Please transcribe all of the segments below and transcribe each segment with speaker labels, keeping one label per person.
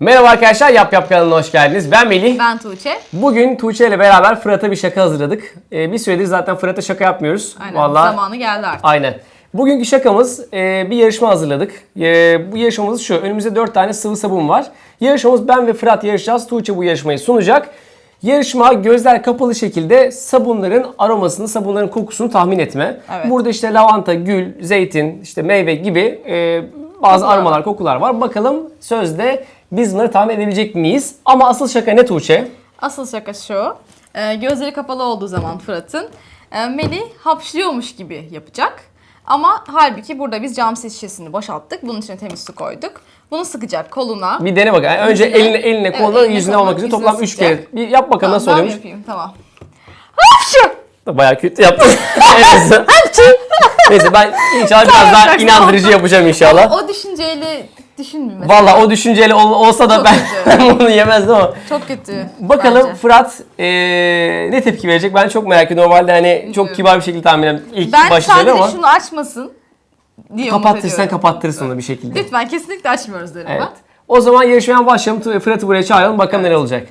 Speaker 1: Merhaba arkadaşlar, Yap Yap kanalına hoş geldiniz. Ben Melih.
Speaker 2: Ben Tuğçe.
Speaker 1: Bugün Tuğçe ile beraber Fırat'a bir şaka hazırladık. Bir süredir zaten Fırat'a şaka yapmıyoruz.
Speaker 2: Aynen,
Speaker 1: Vallahi,
Speaker 2: zamanı geldi artık.
Speaker 1: aynen. Bugünkü şakamız bir yarışma hazırladık. Bu yarışmamız şu, önümüzde 4 tane sıvı sabun var. Yarışmamız ben ve Fırat yarışacağız. Tuğçe bu yarışmayı sunacak. Yarışma gözler kapalı şekilde sabunların aromasını, sabunların kokusunu tahmin etme.
Speaker 2: Evet.
Speaker 1: Burada işte lavanta, gül, zeytin, işte meyve gibi bazı aromalar, kokular var. Bakalım sözde biz bunları tahmin edebilecek miyiz? Ama asıl şaka ne Tuğçe?
Speaker 2: Asıl şaka şu. Gözleri kapalı olduğu zaman Fırat'ın Melih hapşırıyormuş gibi yapacak. Ama halbuki burada biz cam şişesini boşalttık. Bunun içine temiz su koyduk. Bunu sıkacak koluna.
Speaker 1: Bir dene bakalım. Önce eline koluna,
Speaker 2: eline,
Speaker 1: yüzüne
Speaker 2: koluna,
Speaker 1: olmak üzere
Speaker 2: yüzüne
Speaker 1: toplam 3
Speaker 2: sıkacak.
Speaker 1: kere. Bir yap bakalım
Speaker 2: Tamam,
Speaker 1: nasıl
Speaker 2: ben
Speaker 1: oluyormuş.
Speaker 2: yapayım, tamam. Hapşı!
Speaker 1: Bayağı kötü yaptın. Neyse. Neyse ben inşallah biraz daha inandırıcı yapacağım inşallah.
Speaker 2: O düşünceyle düşünmeyeyim mesela.
Speaker 1: Vallahi o düşünceyle olsa da
Speaker 2: Çok
Speaker 1: ben
Speaker 2: kötü.
Speaker 1: bunu yemezdim ama.
Speaker 2: Çok kötü.
Speaker 1: Bakalım
Speaker 2: bence.
Speaker 1: Fırat ne tepki verecek? Ben çok merak ediyorum. Normalde hani çok kibar bir şekilde tahmin ederim. İlk
Speaker 2: Ben
Speaker 1: başta
Speaker 2: sadece
Speaker 1: ama
Speaker 2: şunu açmasın diye umut
Speaker 1: kapattırsan
Speaker 2: ediyorum.
Speaker 1: kapattırırsın onu bir şekilde.
Speaker 2: Lütfen kesinlikle açmıyoruz derim
Speaker 1: Evet.
Speaker 2: ben.
Speaker 1: O zaman yarışmaya başlayalım. Fırat'ı buraya çağıralım. Bakalım neler olacak.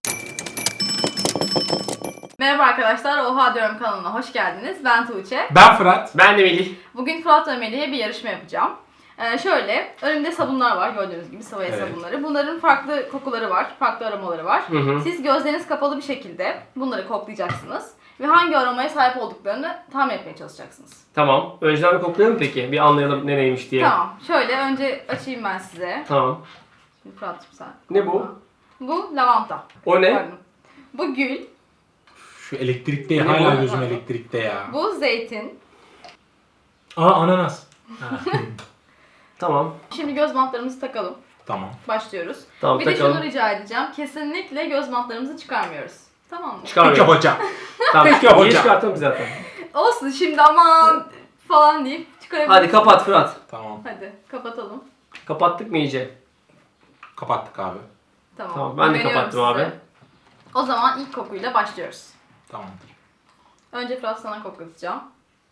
Speaker 2: Merhaba arkadaşlar, Oha Diyorum kanalına hoş geldiniz. Ben Tuğçe.
Speaker 3: Ben Fırat.
Speaker 1: Ben de Melih.
Speaker 2: Bugün Fırat ve Melih'e bir yarışma yapacağım. Şöyle, önümde sabunlar var gördüğünüz gibi, sıvı el
Speaker 3: Evet.
Speaker 2: sabunları. Bunların farklı kokuları var, farklı aromaları var.
Speaker 1: hı.
Speaker 2: Siz gözleriniz kapalı bir şekilde bunları koklayacaksınız. Ve hangi aromaya sahip olduklarını tahmin etmeye çalışacaksınız.
Speaker 1: Tamam. Önceden bir koklayalım peki. Bir anlayalım ne neymiş diye.
Speaker 2: Tamam, şöyle önce açayım ben size.
Speaker 1: Tamam.
Speaker 2: Şimdi Fırat'cığım sen.
Speaker 1: Ne bu?
Speaker 2: Bu lavanta.
Speaker 1: O ne?
Speaker 2: Pardon. Bu gül,
Speaker 3: Şu elektrikte
Speaker 1: Ne
Speaker 3: hala
Speaker 1: bu?
Speaker 3: gözüm elektrikte ya.
Speaker 2: bu zeytin.
Speaker 3: Ananas. Ha,
Speaker 1: Tamam.
Speaker 2: Şimdi göz bantlarımızı takalım.
Speaker 3: tamam.
Speaker 2: Başlıyoruz.
Speaker 1: Tamam,
Speaker 2: Bir de
Speaker 1: takalım.
Speaker 2: şunu rica edeceğim. Kesinlikle göz bantlarımızı çıkarmıyoruz. Tamam mı?
Speaker 3: Peki
Speaker 1: Çıkarmıyorum.
Speaker 3: hocam.
Speaker 1: Tamam.
Speaker 3: Peki
Speaker 1: Niye
Speaker 3: hocam.
Speaker 1: çıkarttım ki zaten?
Speaker 2: Olsun şimdi aman falan deyip çıkarabiliriz.
Speaker 1: Hadi kapat Fırat.
Speaker 3: Tamam.
Speaker 2: Hadi kapatalım.
Speaker 1: Kapattık mı iyice?
Speaker 3: Kapattık abi.
Speaker 2: Tamam.
Speaker 1: Tamam, ben de
Speaker 2: Güveniyorum
Speaker 1: kapattım abi.
Speaker 2: O zaman ilk kokuyla başlıyoruz.
Speaker 3: Tamamdır.
Speaker 2: Önce Fırat sana koklatacağım.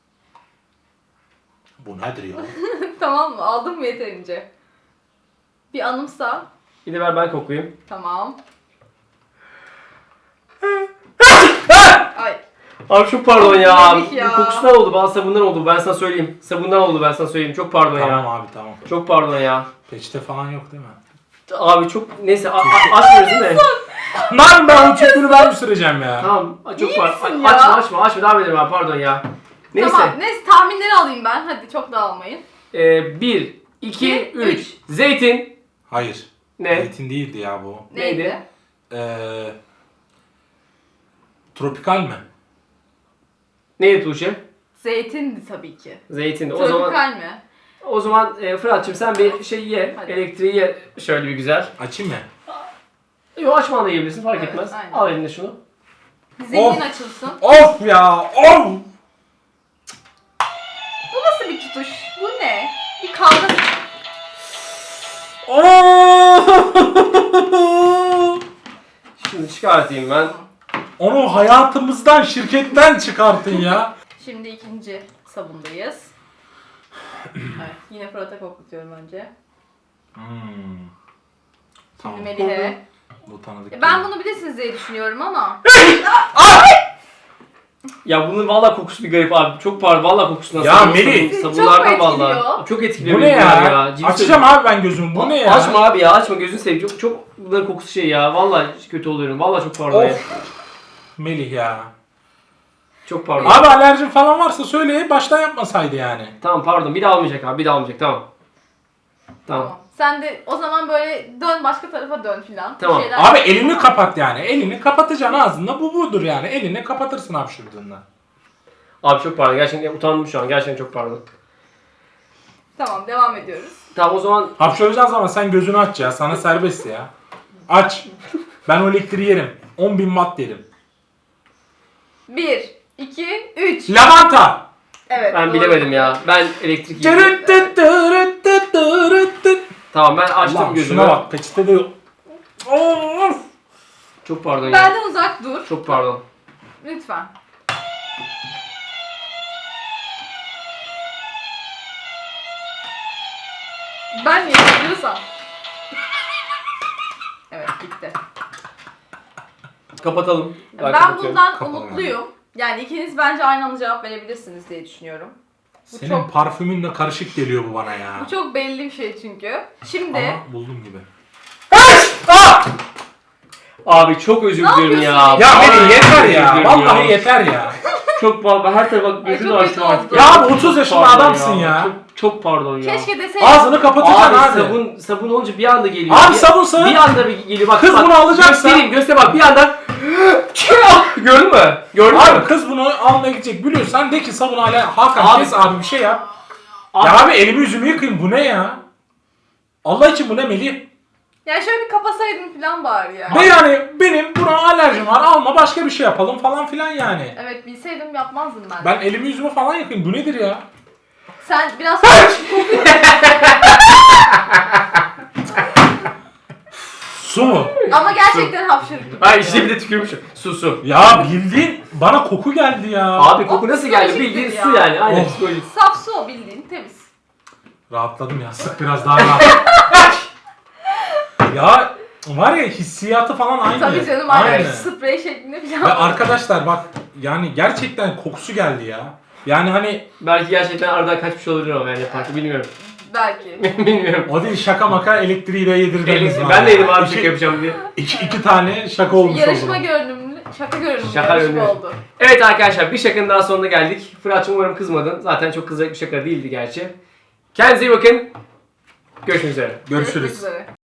Speaker 3: Bu nedir ya?
Speaker 2: Tamam mı? Aldın mı yeterince? Bir anımsa.
Speaker 1: Bir de ver ben koklayayım.
Speaker 2: Tamam. Ay.
Speaker 1: Abi çok pardon ya.
Speaker 2: Melih ya.
Speaker 1: Kokusundan oldu, bazı sabundan oldu. Ben sana söyleyeyim. Sabundan oldu, ben sana söyleyeyim. Çok pardon
Speaker 3: Tamam
Speaker 1: ya.
Speaker 3: abi tamam.
Speaker 1: Çok pardon ya.
Speaker 3: Peçete falan yok değil mi?
Speaker 1: Abi çok neyse açmıyoruz değil mi?
Speaker 3: Lan ben o çöpünü ben mi süreceğim ya?
Speaker 1: Tamam. Çok
Speaker 2: İyi
Speaker 1: pardon.
Speaker 2: misin ya?
Speaker 1: Açma. Devam edelim abi, pardon ya. Neyse.
Speaker 2: Tamam. Neyse tahminleri alayım ben. Hadi çok dağılmayın.
Speaker 1: 1, 2,
Speaker 2: İki,
Speaker 1: 3.
Speaker 2: üç.
Speaker 1: Zeytin.
Speaker 3: Hayır.
Speaker 1: Ne?
Speaker 3: Zeytin değildi ya bu.
Speaker 1: Neydi?
Speaker 2: Neydi?
Speaker 3: Tropikal mi?
Speaker 1: Neydi Tuğçe?
Speaker 2: Zeytindi tabii ki.
Speaker 1: Zeytin.
Speaker 2: Tropikal mi?
Speaker 1: O zaman Fırat'cığım sen bir şey ye.
Speaker 2: Hadi.
Speaker 1: Elektriği ye şöyle bir güzel.
Speaker 3: Açayım mı?
Speaker 1: Yok, açmadan da yiyebilirsin, fark
Speaker 2: Evet,
Speaker 1: etmez.
Speaker 2: aynen.
Speaker 1: Al eline şunu.
Speaker 2: Zengin açılsın.
Speaker 3: Of ya! Of!
Speaker 2: Bu nasıl bir tutuş? Bu ne? Bir kavga.
Speaker 1: Şimdi çıkartayım ben.
Speaker 3: Onu hayatımızdan, şirketten çıkartın ya.
Speaker 2: Şimdi ikinci sabundayız. Evet, yine Fırat'a koklatıyorum önce.
Speaker 3: Tamam.
Speaker 2: Melih'e.
Speaker 3: Bu tanıdık.
Speaker 2: Ben bunu bilirsiniz diye düşünüyorum ama.
Speaker 1: Ya bunun vallahi kokusu bir garip abi. Çok pardon, vallahi kokusundan.
Speaker 3: Ya Melih!
Speaker 1: Sabunlardan
Speaker 2: Çok mu
Speaker 1: vallahi.
Speaker 2: etkiliyor?
Speaker 1: Çok etkiliyor
Speaker 3: Bu
Speaker 1: beni
Speaker 3: ne
Speaker 1: bunlar
Speaker 3: ya?
Speaker 1: Ciddi
Speaker 3: Açacağım abi ben gözümü. Bu ne ya?
Speaker 1: Açma abi ya, açma, gözünü seveyim. Çok bunların kokusu şey ya. Vallahi kötü oluyorum. Vallahi çok pardon ya.
Speaker 3: Of. Melih ya.
Speaker 1: Çok pardon.
Speaker 3: Abi alerjin falan varsa söyle, baştan yapmasaydı yani.
Speaker 1: Tamam pardon. Bir daha olmayacak abi. Bir daha olmayacak. Tamam. Tamam.
Speaker 2: Tamam. Sen de o zaman böyle dön, başka tarafa dön filan. Bir
Speaker 1: Tamam.
Speaker 2: şeyler-
Speaker 3: Abi elini kapat yani. Elini kapatacaksın ağzında. Bu budur yani. Elini kapatırsın hapşırdığında.
Speaker 1: Abi çok pardon. Gerçekten utandım şu an. Gerçekten çok pardon.
Speaker 2: Tamam, devam ediyoruz.
Speaker 1: Tamam o zaman
Speaker 3: Hapşıracağız ama sen gözünü aç ya. Sana serbest ya. Aç. Ben o elektriği yerim. 10.000 watt yerim.
Speaker 2: 1, 2, 3.
Speaker 3: Lavanta.
Speaker 2: Evet.
Speaker 1: ben
Speaker 2: doğru.
Speaker 1: bilemedim ya. Ben elektrik yedim. Tamam ben açtım
Speaker 3: Ulan
Speaker 1: gözümü.
Speaker 3: şuna bak. Peçete de... Of.
Speaker 1: Çok pardon ya.
Speaker 2: Benden uzak dur.
Speaker 1: Çok pardon.
Speaker 2: Lütfen. Ben niye yapıyorsam? Bitti.
Speaker 1: Kapatalım.
Speaker 2: Ben
Speaker 1: kapatıyorum.
Speaker 2: bundan
Speaker 3: Kapalı
Speaker 2: umutluyum. Yani ikiniz bence aynı anda cevap verebilirsiniz diye düşünüyorum.
Speaker 3: Senin
Speaker 2: çok-
Speaker 3: parfümünle karışık geliyor bu bana ya.
Speaker 2: Bu çok belli bir şey çünkü. Şimdi
Speaker 3: Ama buldum gibi.
Speaker 1: Abi çok özür
Speaker 2: Ne
Speaker 1: dilerim ya.
Speaker 2: yapıyorsun?
Speaker 3: Ya
Speaker 1: Vallahi
Speaker 3: Melih yeter
Speaker 1: çok
Speaker 3: ya.
Speaker 1: özür dilerim
Speaker 3: Vallahi yeter ya.
Speaker 1: Çok pardon. Her tarafa
Speaker 2: Ay,
Speaker 1: gözünü
Speaker 2: çok
Speaker 1: açtım
Speaker 2: kötü
Speaker 1: artık.
Speaker 2: oldu.
Speaker 3: Ya
Speaker 1: Çok
Speaker 3: abi 30 yaşında
Speaker 1: pardon
Speaker 3: adamsın ya.
Speaker 1: Çok pardon ya.
Speaker 2: keşke deseydin.
Speaker 3: Ağzını kapatacaksın
Speaker 1: Abi
Speaker 3: abi.
Speaker 1: sabun olunca bir anda geliyor.
Speaker 3: Abi
Speaker 1: Bir-
Speaker 3: sabun.
Speaker 1: Bir anda bir geliyor. Bak,
Speaker 3: Kız
Speaker 1: bak,
Speaker 3: bunu alacaksa-
Speaker 1: Göster bak bir anda. Gördün mü? Gördün mü?
Speaker 3: Abi kız bunu almaya gidecek biliyorsan de ki sabun hala Hakan
Speaker 1: Abi-
Speaker 3: kes abi bir şey yap.
Speaker 1: Abi-
Speaker 3: Ya abi elimi yüzümü yıkayayım bu ne ya? Allah için bu ne Melih?
Speaker 2: Yani şöyle bir kapasaydın falan bari ya.
Speaker 3: Ve yani benim buna alerjim var alma başka bir şey yapalım falan filan yani.
Speaker 2: Evet bilseydim yapmazdım ben.
Speaker 3: Ben elimi yüzümü falan yıkayayım bu nedir ya?
Speaker 2: Sen biraz
Speaker 3: Su mu?
Speaker 2: ama gerçekten hapşırık.
Speaker 1: Ay işte bir de tükürmüşüm. Su.
Speaker 3: Ya bildiğin bana koku geldi ya.
Speaker 1: Abi koku nasıl geldi?
Speaker 2: psikolojiktir
Speaker 1: Bildiğin
Speaker 2: ya.
Speaker 1: su yani. Aynen
Speaker 3: Oh.
Speaker 1: psikolojik.
Speaker 2: Saf su o bildiğin temiz.
Speaker 3: Rahatladım ya sık biraz daha rahat. Ya var ya hissiyatı falan aynı.
Speaker 2: Tabii canım aynen sprey şeklinde falan.
Speaker 3: Ve arkadaşlar bak yani gerçekten kokusu geldi ya. Yani hani
Speaker 1: Belki gerçekten aradan kaçmış olabilir ama yani yaparken bilmiyorum.
Speaker 2: Belki.
Speaker 1: Bilmiyorum.
Speaker 3: o değil şaka maka elektriği de yedirdiniz bana.
Speaker 1: Ben de yedim abi
Speaker 3: İki-
Speaker 1: şaka yapacağım diye.
Speaker 3: iki tane şaka olmuş
Speaker 2: Yarışma
Speaker 3: oldu.
Speaker 2: görünümlü, şaka görünümlü
Speaker 1: Şaka
Speaker 2: yarışma
Speaker 1: görünümlü.
Speaker 2: oldu.
Speaker 1: Evet arkadaşlar bir şakanın daha sonuna geldik. Fırat'cığım umarım kızmadın. Zaten çok kızacak bir şaka değildi gerçi. Kendinize iyi bakın. Görüşmek üzere.
Speaker 3: Görüşürüz.
Speaker 2: Görüşmek üzere.